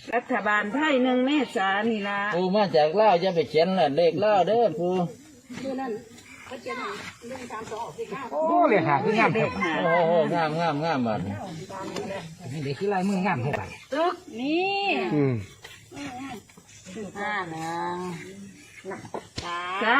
รัฐบาลไทย1 เมษายนนี่ล่ะปูมาจากลาวจะไปเขียนน่ะเลขลาวเด้อปูนั่นเขาเขียน1 3 2 4 5โอ้เลยหาคืองามเลยโอ้โหงามบัดเด็กคือลายมืองามหัวไปตึกนี่ 5 จ้า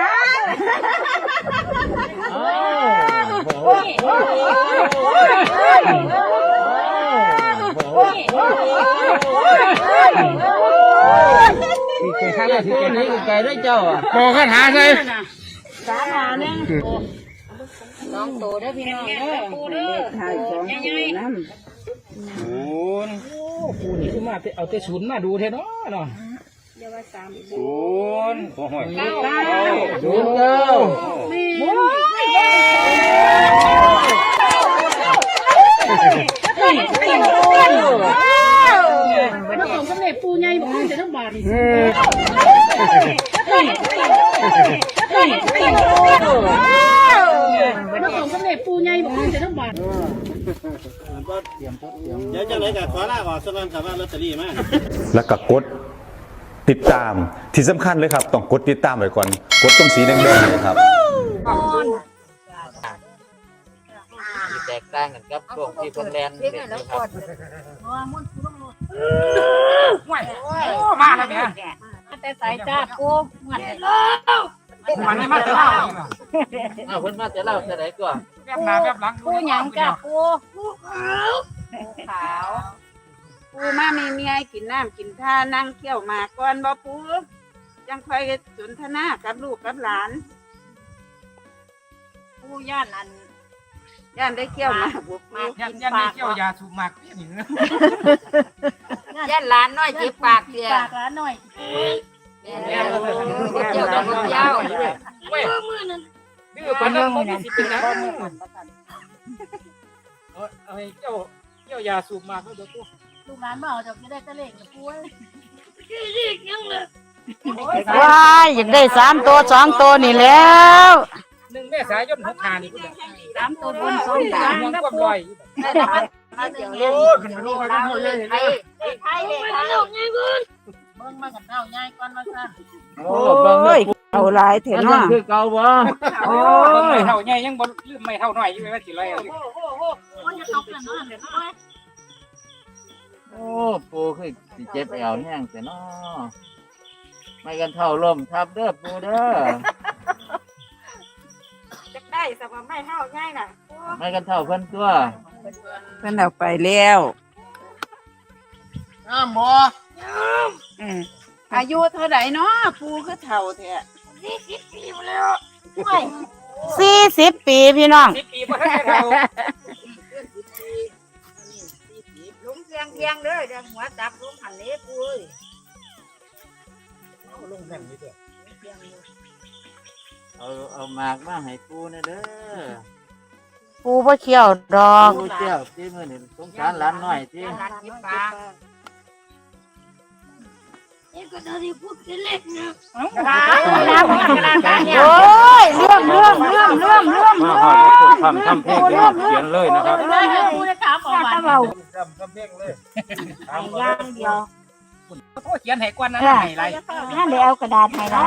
โอ้ที่เคยข้างแล้วที่เคยนี่ไก่ได้เจ้าอ่ะโบกันหาใส่ 3 1 2ตัวได้พี่น้องเด้อปูเด้อถ่าย2 ตัวน้ำปูนี่คือมาเอาแต่ศูนย์มาดูเท่เนาะเนาะเดี๋ยวว่า3 0 โอ้โห 09 แล้วของสำเร็จปูใหญ่บ่ขึ้นจะต้องบาทนี่แล้วของสำเร็จปูใหญ่บ่ขึ้นจะต้องบาทเดี๋ยวจะเลยกับขอลาออกสักวันครับว่าลอตเตอรี่มาแล้วก็กดติดตามที่สำคัญเลยครับต้องกดติดตามไว้ก่อนกดตรงสีแดงๆเลยครับแตกต่างกันกับช่วงที่เพิ่นแลนเด็ดครับมาแล้วเนี่ยแต่สายจ้าปูมันไม่มาแต่เล่าเพิ่นมาแต่เล่าแต่ไหนก่อนแบบหน้าแบบหลังปูหยังจ้าปูขาวปูมามีเมียกินน้ำกินท่านั่งเคี่ยวหมากก่อนบ่ปูยังคอยสนทนากับลูกกับหลานปูย่านได้เคี่ยวหมากบุกมายันได้เกี่ยวยาสูบหมักนี่ย่านหลานน้อยจิบปากเสียปากหลานน้อยเกี่ยวกับเจ้ามือนั่นดื้อปานนั้นบ่สิเป็นหยังเอาให้เกี่ยวยาสูบหมักเด้อปูลูกหลานบ่เอาจะได้ตะเล่งกับปูว้ายอยากได้3 ตัว2 ตัวนี่แล้ว 1 เมษายน65นี่พุ่น 3 ตัวบน2 ตัวมันก็ลอยมาเดี๋ยวนี้ขึ้นมาดูไปกันหมดเลยไทยลูกใหญ่เบิ่งเบิ่งมากันเท่าใหญ่ก่อนมาซะโอ้ยเอาหลายเถอะเนาะคือเก่าบ่โอ้ยเท่าใหญ่ยังบ่ลืมไม่เท่าน้อยอยู่ว่าสิลอยเอามันจะตกกันเนาะเดี๋ยวน้อยโอ้ปูคือสิเจ็บแอวแห้งแต่น้อไม่กันเท่าลมทับเด้อปูเด้อจะได้สบายไม่เท่าง่ายน่ะไม่กันเท่าเพิ่นตัวเพิ่นเอาไปแล้วบ่อายุเท่าไหร่เนาะปูคือเฒ่าแท้ 40 ปีแล้ว 40 ปีพี่น้อง 10 ปีบ่ทันได้เท่าลุงเพียงเด้อเดี๋ยวหัวจับลุงหันนี้ปูเอ้ยลงแม่นนี่เด้อเอาหมากมาให้ปูนะเด้อปูบ่เขี้ยวดอกปูเจ้าที่มื้อนี้สงสารหลานน้อยที่หลานจิบปากก็ได้พูดเล็กนะโอ้ยเรื่องทำเพลงเขียนเลยนะครับพูดได้ถามออกมาทำเพลงเลยอย่างเดียวโอ้เขียนให้กวนนะให้ไรนั่นเดี๋ยวเอากระดาษให้ไร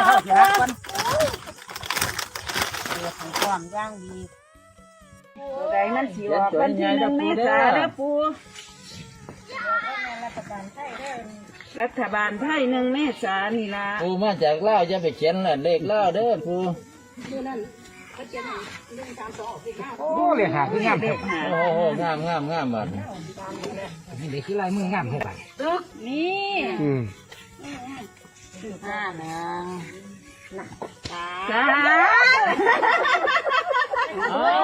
ความย่างดีตัวใดมันสิออกวันที่1 เมษายนเด้อปูรัฐบาลไทย1 เมษายนนี่ล่ะปูมาจากลาวจะไปเขียนน่ะเลขลาวเด้อปูนั่นเขาเขียน1 3 2 4 5 โอ้เลยหาคืองามเลยโอ้โหงามบัดเด็กคือลายมืองามหัวไปตึกนี่จ้าโอ้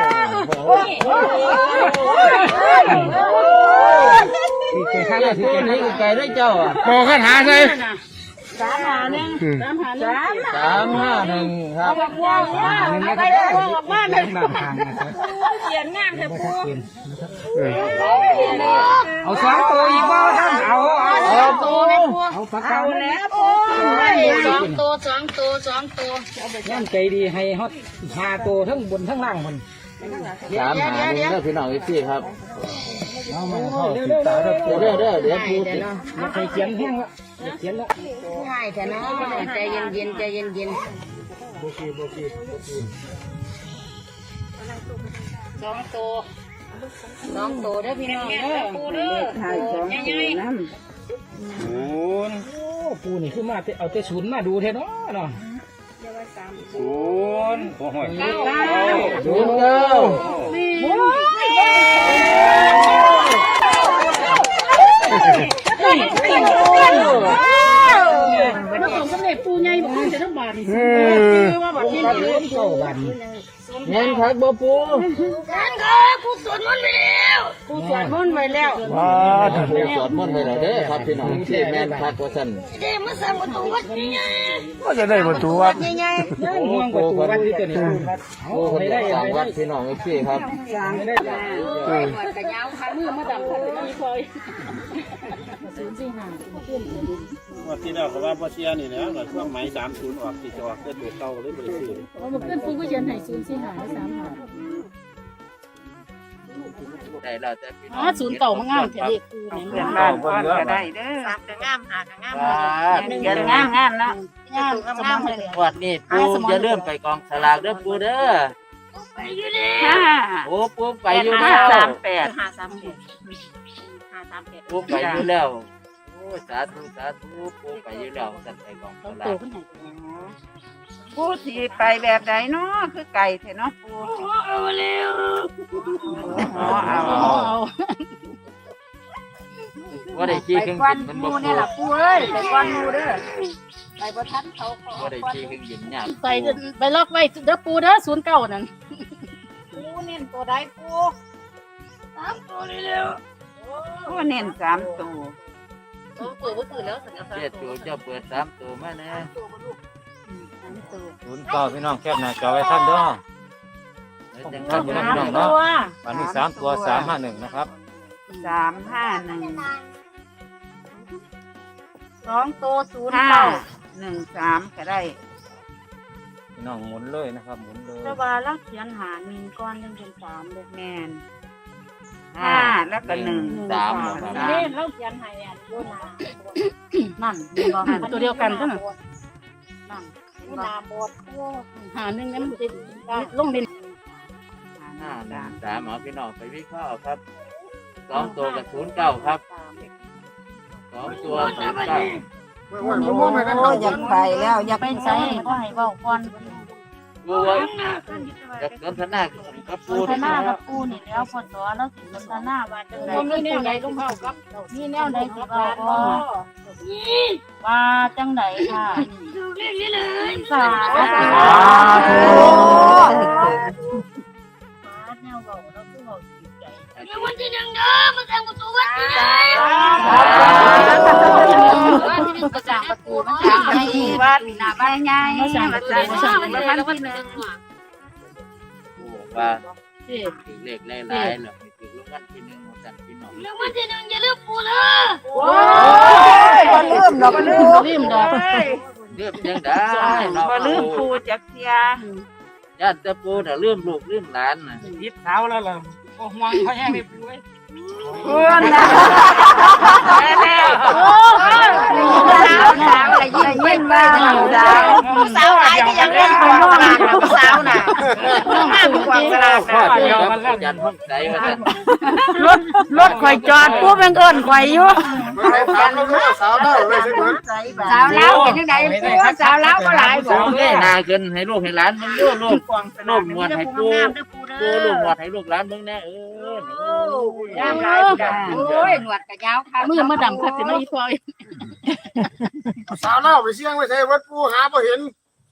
ที่เคยข้างแล้วที่เคยนี่ไก่ได้เจ้าอ่ะโบกันหาใส่ 351 ครับเขียนงามเถอะปูเอา2 ตัวอีกบ่ท่านเอาตัวแม่ปูเอาปากกาแล้วปู2 ตัวย่ำใจดีให้ฮอต5 ตัวทั้งบนทั้งล่างมัน 3 หา1เด้อพี่น้องอีกทีครับเอามาเข้าติดตาเด้อเดี๋ยวปูติดอย่าไปเขียนแห้งละอย่าเขียนละง่ายแต่เนาะใจเย็นๆใจเย็นบ่คือๆ2 ตัวเด้อพี่น้องเด้อปูเด้อถ่าย2ตัวนำศูนย์โอ้ปูนี่คือมาเอาแต่ศูนย์มาดูแท้เนาะเนาะศูนย์โอ้โหศูนย์เก้าแล้วของสำเร็จปูใหญ่บ่มันจะต้องบาดนี่คือว่าบัดนี้เก้าวันเงินคักบ่ปูปูสวดมนต์ไว้แล้วว้าปูสวดมนต์ไปแล้วเด้อครับพี่น้องที่แม่นคักว่าซั่นก็จะได้ประตูวัดใหญ่ห่วงประตูวัดที่ตัวนี้ปูคนอยากสร้างวัดพี่น้องพี่ครับไม่ได้ๆหนวดกะยาวขามือมาดำกันนี่พอยวันที่แล้วเขาว่าพ่อเชียนี่นะหน่วยช่วงไหม30ออกที่จะออกเกิดตัวเก่าเลยบ่ได้ซื้อมันเพิ่นปูก็ยันให้045 3 ได้แล้วแต่พี่น้อง 0เก่ามางามแท้เด็กปูนี่เพื่อนบ้านก่อนก็ได้เด้อ 3ก็งาม5ก็งามเขียนงามๆเนาะงามสมองเลยวัดนี้ปูอย่าลืมไปกองสลากเด้อปูเด้อห้าโอ้ปูไปอยู่ห้าแล้วสามแปด 538 ปูไปอยู่แล้วโอ้สาธุปูไปอยู่แล้วสั่นไปกองสลากผู้ที่ไปแบบใดเนาะคือไก่เถอะเนาะปูเอาว่าได้ขี้ครึ่งวันมันมูบ่เนี่ยล่ะปูเอ้ยไปก่อนมูเด้อไปบ่ทันเขาว่าได้ขี้ครึ่งยิ้มยากไปล็อกไว้เด้อปูเด้อ09นั่นปูเน้นตัวใดปู3ตัวนี่แล้วผู้เน้น3ตัวตัวบ่ตื่นแล้วสัญญาเจ็ดตัวเจ้าเปิด3ตัวมาแน่ศูนย์เก้าพี่น้องแคบหน้าจอไว้ท่านเด้อแล้วจังท่านพี่น้องตัเนาะววันนี้3 ตัว 351นะครับ 351 2ตัว 513ก็ได้พี่น้องหมุนเลยนะครับหมุนเลยแต่ว่าเราเขียนหา1ก่อนจังเป็น3เด้อแม่น5แล้วก็1 3ครับเล่นเราเขียนให้อันโยนานั่นมีบ่ตัวเดียวกันซั่นน่ะนั่นนาบดหา1นี่มันสิลงดิน 513เอาพี่น้องไปวิเคราะห์ครับ2ตัวกับ09ครับ2ตัว09 โอ้อยากไปแล้วอยากไปใส่ก็ให้เว้าก่อนปูว่าจากสนทนากับปูสนทนากับปูนี่แล้วพอสอนแล้วสิสนทนาว่าจังได๋มีแนวใดลงเข้ากับมีแนวใดสิเว้าบ่ว่าจังได๋ค่ะสาธุแนวเว้าแล้วคือเว้าสิใจวันที่1เด้อมาแต่งประตูวัดนี่วันที่1ก็สร้างประตูมันสร้างให้วัดหน้าบ้านใหญ่มาจัดวันที่1 ว่าเลขหลายๆแล้วให้ถูกรางวัลที่1ของท่านพี่น้องโอ้ยบ่ลืมดอกเลืมจังได้เนาะบ่ลืมปูจักเที่ยญาติแต่ปูน่ะลืมลูกลืมหลานน่ะยิบเท้าแล้วล่ะโอ้ห่วงเขาแห้งได้ปูไว้เพื่อนนะแม่สาวอะไรยิ้มบ้างสาวหลายก็ยังเล่นของน้องสาวน่ะห้ามความสลาดพ่อเดียวมันแล้วยันห้องใจว่าซั่นรถข่อยจอดปุ๊บมันเอิ้นข่อยอยู่สาวเล่าเลยใช่ไหมสาวเล้าเป็นจังได๋ปูสาวเล้าบ่หลายบ่เงยหน้าขึ้นให้ลูกให้หลานมึงดูลูกลูกหนวดให้ปูปูลูกหนวดให้ลูกหลานมึงแน่งามหลายจ้ะโอ้ยหนวดก็ยาวค่ะมือมาดำคักสิมาอีพอยสาวเล่าไปเสี่ยงไปใส่วัดปูหาบ่เห็น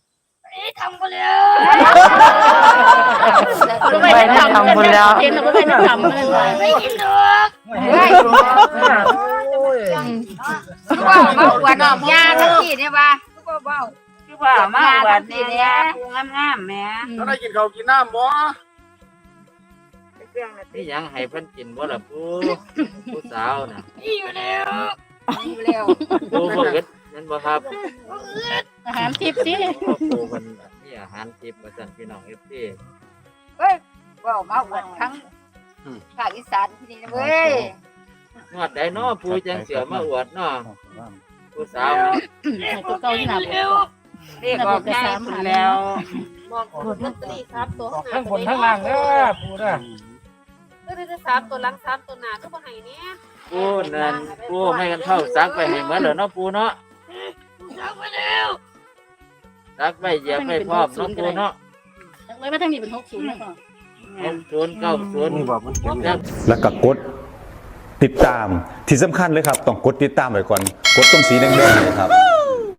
ไปทำบุญแล้วเห็นแล้วไปทำเลยไม่กินดอกเฮ้ยว่ามาอวดยาทั้งที่เนี่ยว่าก็เว้าคือว่ามาวัดนี่แหละปูงามๆแหมถ้าได้กินข้าวกินน้ำบ่นี่ยังให้เพิ่นกินบ่ล่ะปูผู้สาวน่ะอยู่แล้วปูบ่เกิดนั่นบ่ครับอาหารทิพย์สิปูเพิ่นมีอาหารทิพย์ว่าซั่นพี่น้อง FC เฮ้ยว่ามาอวดทั้งภาคอีสานที่นี่นะเว้ยงวดใดเนาะปูจังเสียมาอวดเนาะผู้สาวให้ตัวเก่าที่หน้าปกเรียกออกง่ายสุดแล้วบอกลอตเตอรี่ครับตัวทั้งบนทั้งล่างเด้อปูเด้อก็ได้สามตัวหลังสามตัวหน้าก็บ่ให้เนี้ยปูนั่นปูไม่กันเท่าซักไปให้เหมือนเด้อเนาะปูเนาะซักไปเหยียบไปพร้อมเนาะปูเนาะจังเลยว่าทางนี้เป็น60แล้วก็ 60 นี่บอกมันเป็น 90 แล้วก็กดติดตามที่สำคัญเลยครับ ต้องกดติดตามไว้ก่อน กดตรงสีแดงๆเลยครับ